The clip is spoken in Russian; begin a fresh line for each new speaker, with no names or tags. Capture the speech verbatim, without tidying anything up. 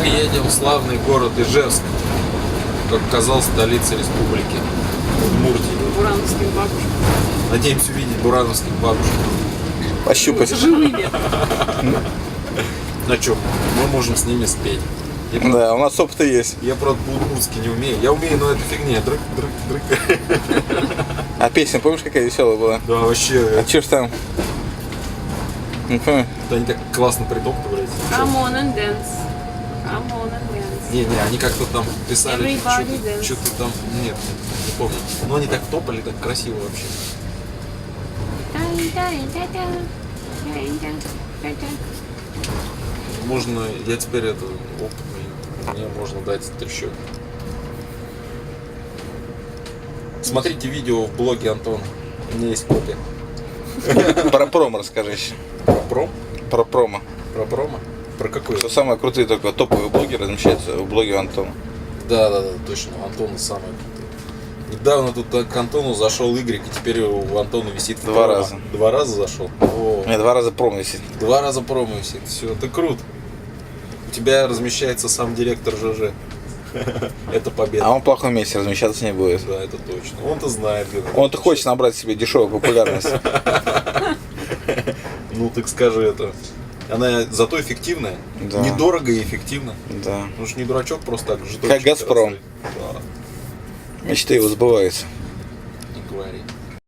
Мы едем в славный город Ижевск, как оказалось, столица республики Удмуртии.
Бурановским бабушкам.
Надеемся увидеть бурановских бабушек.
Пощупать.
Живыми.
На чем? Мы можем с ними спеть. Я,
Да, у нас опыт есть.
я правда, по-удмуртски не умею. Я умею, но это фигня. Дрык, дрык, дрык.
А песня, помнишь, какая веселая была?
Да, вообще.
А чё ж там? Не помню.
Это они так классно притоптывались.
Come on and dance. Come on and dance.
Не, не, они как-то там писали,
Everybody
что-то,
dance.
что-то там, нет, не помню. Но они так топали, так красиво вообще. Можно, я теперь это опытный, мне можно дать трещотку. Смотрите видео в блоге Антона, у меня есть копия.
Про промо расскажи еще.
Про пром?
Про промо.
Про промо? Про какой?
Что самые крутые только топовые блоги размещаются в блоге Антона.
Да, да, да, точно, у Антона самый крутый. Недавно тут к Антону зашел Игорь, и теперь у Антона висит
Два
промо.
раза.
Два раза зашел? О,
Нет, два раза промо висит.
два раза промо висит, все, это круто. У тебя размещается сам директор ЖЖ. Это победа.
А он в плохом месте размещаться не будет.
Да, это точно. Он-то знает. где это.
Он-то хочет набрать себе дешевую популярность.
Ну, так скажи это. Она зато эффективная.
Да.
Недорого и эффективно.
Да.
Ну ж не дурачок просто так же.
Как «Газпром».
Да,
Мечты его сбываются.
не говори.